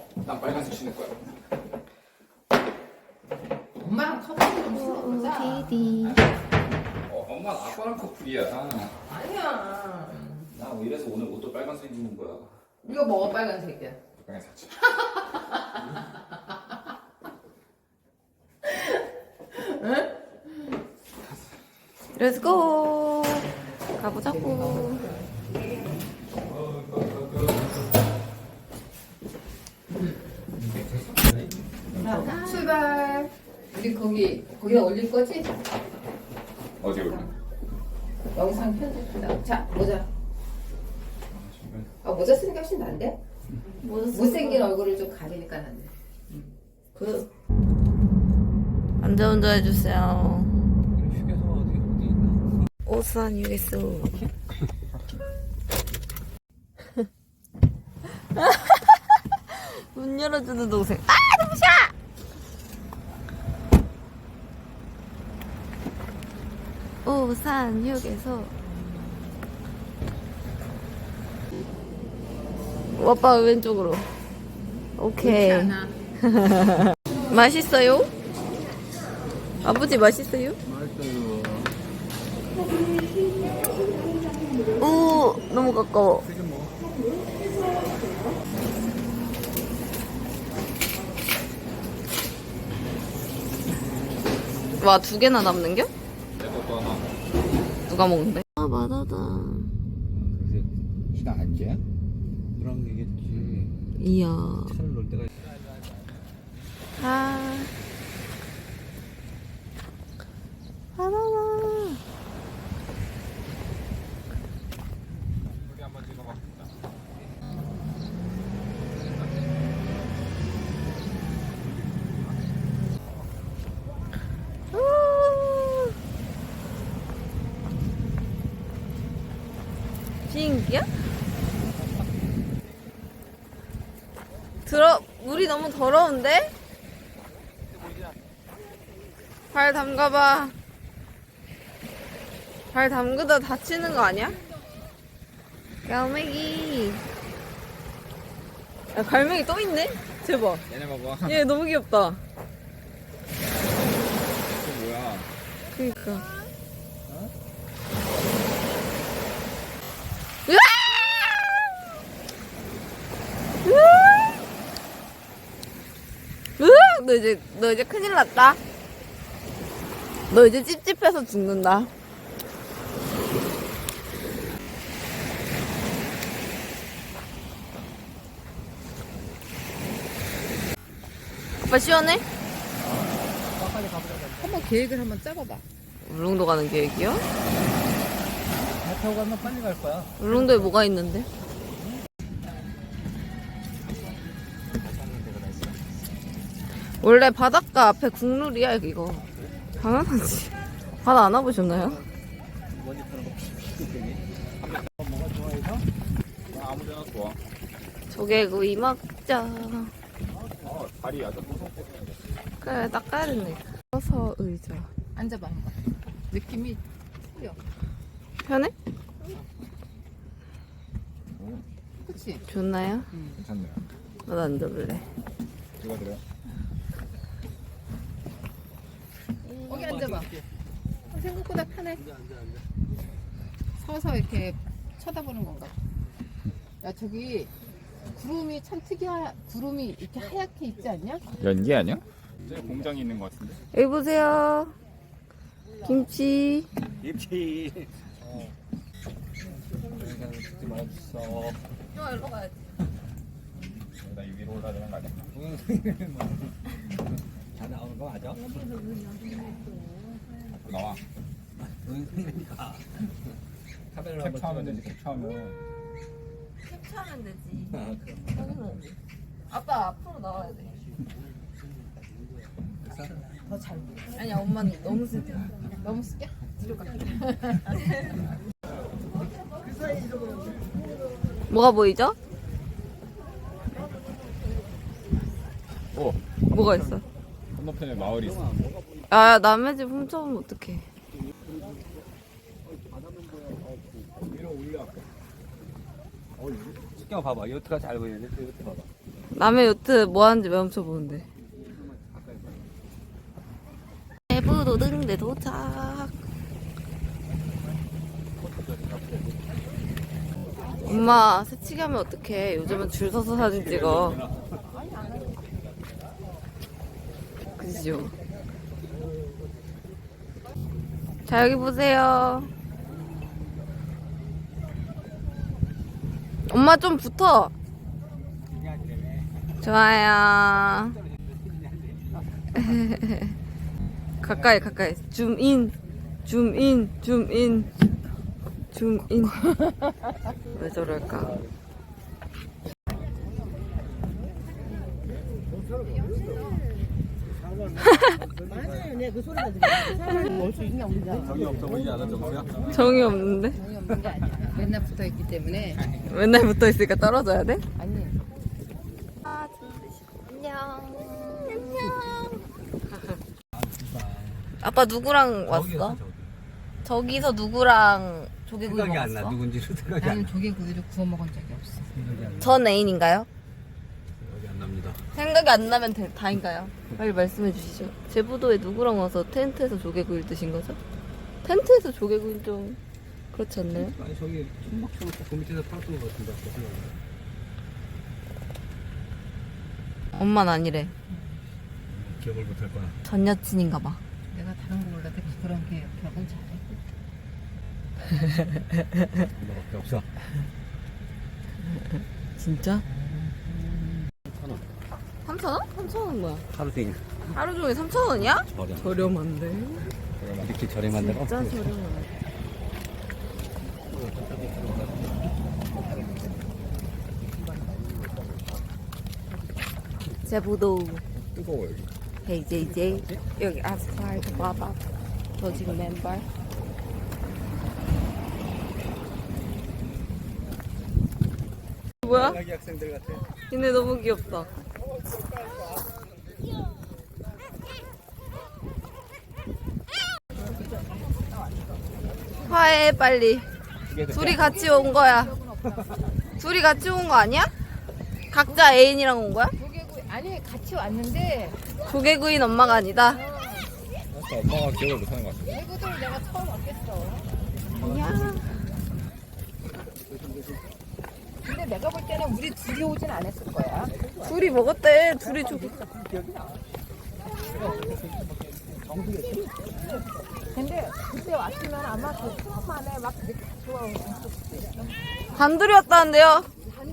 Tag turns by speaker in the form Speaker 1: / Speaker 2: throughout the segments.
Speaker 1: 난 빨간색 신을 거야.
Speaker 2: 엄마랑 커플 좀 신어보자.
Speaker 3: 디디.
Speaker 1: 엄마 아빠랑 커플이야.
Speaker 2: 아니야.
Speaker 1: 나 이래서 오늘 옷도 빨간색 입는 거야.
Speaker 2: 이거 뭐가 빨간색이야?
Speaker 1: 빨간색 사치.
Speaker 3: 렛츠고. 가보자고.
Speaker 2: 자, 출발. 우리 거기다 올릴 거지?
Speaker 1: 어디 올려?
Speaker 2: 영상 편집한다. 자, 모자. 아, 모자 쓰는 게 훨씬 나은데? 못생긴 얼굴을 좀 가리니까 낫네.
Speaker 3: 안전운전 해주세요.
Speaker 1: 휴게소가 어디 있나?
Speaker 3: 오산 휴게소. 문 열어주는 동생. 아, 눈부셔! 오산 휴게소. 오빠 왼쪽으로. 오케이.
Speaker 2: 괜찮아.
Speaker 3: 맛있어요? 아버지 맛있어요?
Speaker 1: 맛있어요.
Speaker 3: 오, 너무 가까워. 와, 2개나 남는겨?
Speaker 1: 내 것도 하나.
Speaker 3: 누가 먹는데? 아, 맞아다.
Speaker 1: 그래서 시당 안 개야? 그런 게겠지.
Speaker 3: 이야.
Speaker 1: 차를 놓을 때가.
Speaker 3: 아. 바나나.
Speaker 1: 우리 한번 찍어봐.
Speaker 3: 비행기야? 물이 너무 더러운데? 발 담가봐. 발 담그다 다치는 거 아니야? 갈매기. 야, 갈매기 또 있네? 대박.
Speaker 1: 얘네 봐봐.
Speaker 3: 얘 너무 귀엽다.
Speaker 1: 이거 뭐야?
Speaker 3: 그니까. 으악! 너 이제 큰일 났다. 너 이제 찝찝해서 죽는다. 아빠 시원해?
Speaker 2: 한번 계획을 한번 짜봐봐.
Speaker 3: 울릉도 가는 계획이요?
Speaker 1: 배 타고 가면 빨리 갈 거야.
Speaker 3: 울릉도에 뭐가 있는데? 원래 바닷가 앞에 국룰이야 이거. 당연하지. 바다 안 와보셨나요?
Speaker 1: 뭐가 좋아해서? 나 아무데나 좋아.
Speaker 3: 조개구이 먹자.
Speaker 1: 다리 아주 무섭고.
Speaker 3: 그래 닦아야겠네. 서서 의자.
Speaker 2: 앉아봐, 한번. 느낌이 틀려.
Speaker 3: 편해?
Speaker 2: 그치?
Speaker 3: 좋나요?
Speaker 1: 괜찮네요.
Speaker 3: 나도 앉아볼래.
Speaker 1: 누가 들어요?
Speaker 2: 거기 앉아봐. 생각보다 편해. 서서 이렇게 쳐다보는 건가? 야, 저기 구름이 참 구름이 이렇게 하얗게 있지 않냐?
Speaker 1: 연기 아니야? 저기 공장이 있는 것 같은데.
Speaker 3: 여기 보세요. 김치.
Speaker 1: 김치. 듣지 말아줬어.
Speaker 3: 형 일로 가야지.
Speaker 1: 나 이 위로 올라야 되는 거 아니야?
Speaker 4: 다 나오는 거 맞아?
Speaker 1: 나와.
Speaker 4: 동영상이니까 카메라 한번
Speaker 1: 캡처하면 되지. 캡처하면.
Speaker 3: 캡처하면 되지.
Speaker 4: 아, 그럼.
Speaker 3: 당연하지. 아빠 앞으로 나와야 돼.
Speaker 2: 더 잘 보여.
Speaker 3: 아니야 엄마는 너무 슬퍼.
Speaker 2: 너무 쓰게? 뒤로 가.
Speaker 3: 뭐가 보이죠?
Speaker 1: 오.
Speaker 3: 뭐가 있어?
Speaker 1: 건너편에 마을이 있어.
Speaker 3: 아 남의 집 훔쳐오면 어떡해.
Speaker 4: 위로 올려. 신경 봐봐. 요트가 잘 보이는데 요트 봐봐.
Speaker 3: 남의 요트 뭐 하는지 멈춰보는데. 대부도 등대 도착. 엄마 새치기 하면 어떡해. 요즘은 줄 서서 사진 찍어. 그죠? 자, 여기 보세요. 엄마 좀 붙어. 좋아요. 가까이 가까이. 줌인 줌인 줌인 줌인. 왜 저럴까?
Speaker 5: 맞아요. 내 그 소리가 들려. 올수 있나 우리가?
Speaker 1: 정이 없어 보이지 않아 정수야?
Speaker 3: 정이 없는데?
Speaker 2: 정이 없는 게 아니야. 맨날 붙어 있기 때문에.
Speaker 3: 맨날 붙어 있으니까 떨어져야 돼?
Speaker 2: 아니.
Speaker 3: 안녕. 아빠 누구랑 왔어? 저기서 누구랑 조개구이
Speaker 4: 생각이 안 나.
Speaker 3: 먹었어?
Speaker 4: 누군지도 생각이 안
Speaker 2: 나는
Speaker 4: 나.
Speaker 2: 조개구이를 구워 먹은 적이 없어.
Speaker 3: 전 애인인가요?
Speaker 4: 생각이 안 납니다.
Speaker 3: 생각이 안 나면 다인가요? 빨리 말씀해 주시죠. 제부도에 누구랑 와서 텐트에서 조개구이를 드신 거죠? 텐트에서 조개구이 좀 그렇지 않나요?
Speaker 4: 아니 저기 천막처럼 그 밑에서 팔았던 것 같은데.
Speaker 3: 엄마는 아니래.
Speaker 4: 기억을 못 할 거야.
Speaker 3: 전 여친인가 봐.
Speaker 2: 내가 다른 거 몰라도 그런 기억은 잘해.
Speaker 4: 엄마밖에 없어.
Speaker 3: 진짜? 3,000원? 3,000원 뭐야?
Speaker 4: 하루 종일
Speaker 3: 하루 종일 3,000원이야?
Speaker 4: 저렴.
Speaker 3: 저렴한데?
Speaker 4: 이렇게 저렴한 데가
Speaker 3: 진짜
Speaker 4: 없어.
Speaker 3: 저렴하네. 제부도
Speaker 1: 뜨거워 여기.
Speaker 3: 헤이 제이제이 여기 아스팔트 봐봐 조직 맨발 뭐야?
Speaker 4: 대학이 학생들 같아.
Speaker 3: 얘네 너무 귀엽다. 화해 빨리. 둘이 같이 온 거야. 둘이 같이 온 거 아니야? 각자 애인이랑 온 거야?
Speaker 2: 조개구이 아니 같이 왔는데
Speaker 3: 조개구이는 엄마가 아니다.
Speaker 1: 아까 엄마가 기억을 못하는 것 같아.
Speaker 2: 대구들 내가 처음 왔겠어.
Speaker 3: 야.
Speaker 2: 근데 내가 볼 때는 우리 둘이 오진 않았을 거야.
Speaker 3: 둘이 먹었대. 둘이 조개.
Speaker 2: 근데 그때 왔으면 아마 그 처음 안에 막 그렇게 좋아하고
Speaker 3: 단둘이 왔다는데요?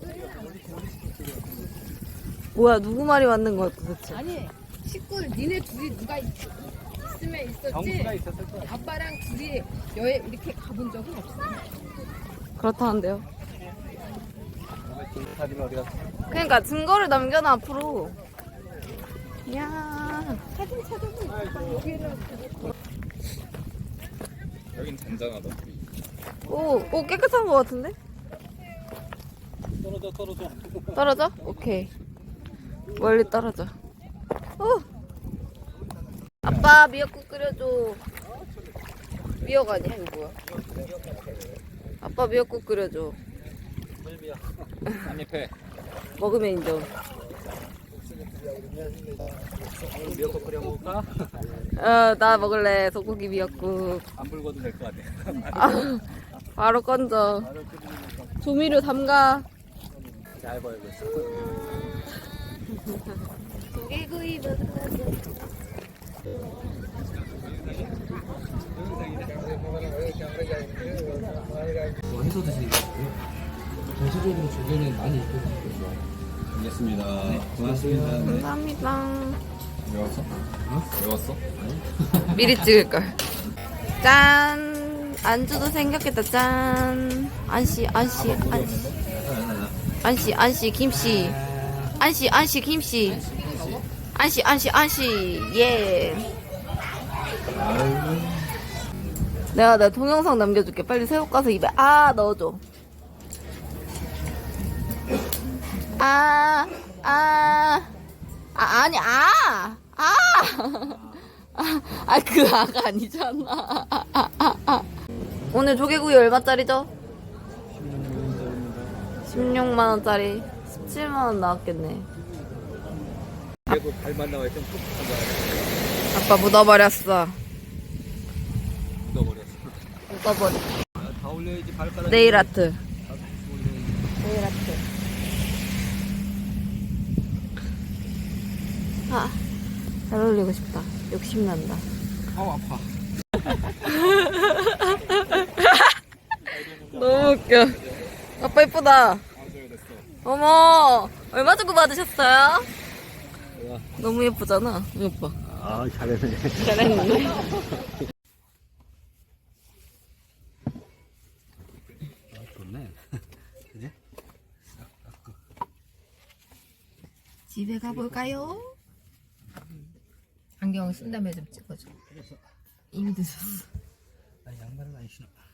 Speaker 3: 뭐야 누구 말이 맞는 거야 도대체?
Speaker 2: 아니 식구 니네 둘이 누가 있으면 있었지.
Speaker 4: 정수가 있었을 거야.
Speaker 2: 아빠랑 둘이 여행 이렇게 가본 적은 없어.
Speaker 3: 그렇다는데요?
Speaker 4: 사진 어디 갔어?
Speaker 3: 그러니까 증거를 남겨놔 앞으로. 야.
Speaker 2: 사진 찾아보니까 여기는
Speaker 1: 여긴 잔잔하다.
Speaker 3: 오 깨끗한 거 같은데?
Speaker 4: 떨어져.
Speaker 3: 떨어져? 오케이. 멀리 떨어져. 오. 아빠 미역국 끓여줘. 미역 아니야 이거 뭐야? 아빠 미역국 끓여줘.
Speaker 1: 한입해.
Speaker 3: 먹으면 인정.
Speaker 4: 미역국 끓여 먹을까?
Speaker 3: 나 먹을래. 소고기 미역국.
Speaker 4: 안 불고도 될 것 같아.
Speaker 3: 아, 바로 건져. 조미료 담가.
Speaker 4: 잘 보이고 있어.
Speaker 3: 조개구이 먹으러.
Speaker 4: 뭐 해서 드시는 거예요? 전체적으로 조개는 많이 입고 있어요.
Speaker 1: 알겠습니다. 고맙습니다. 네.
Speaker 3: 감사합니다.
Speaker 1: 외웠어? 외웠어?
Speaker 3: 미리 찍을걸. 짠. 안주도 생겼겠다. 짠. 안씨 김씨. 안씨 김씨. 안씨 예. 내가 동영상 남겨줄게. 빨리 새우 까서 입에 넣어줘. 아니 그 아가 아니잖아. 오늘 조개구이 얼마짜리죠? 16만원짜리 17만원 나왔겠네.
Speaker 1: 그래도 발만 나와 좀 푹푹한 거야.
Speaker 3: 아빠 묻어버렸어.
Speaker 1: 묻어버렸어.
Speaker 3: 묻어버려.
Speaker 1: 다 올려야지 발가락.
Speaker 3: 네일 아트. 네일 아트. 아, 잘 어울리고 싶다. 욕심난다.
Speaker 1: 아우 아파.
Speaker 3: 너무 웃겨. 아빠 예쁘다. 어머, 얼마 주고 받으셨어요? 너무 예쁘잖아. 오빠.
Speaker 1: 아 잘했네.
Speaker 3: 잘했네.
Speaker 4: 좋네. 그지?
Speaker 2: 집에 가볼까요? 안경 쓴 다음에 좀 찍어줘. 이미 늦었어.
Speaker 4: 나 양말을 안 신어.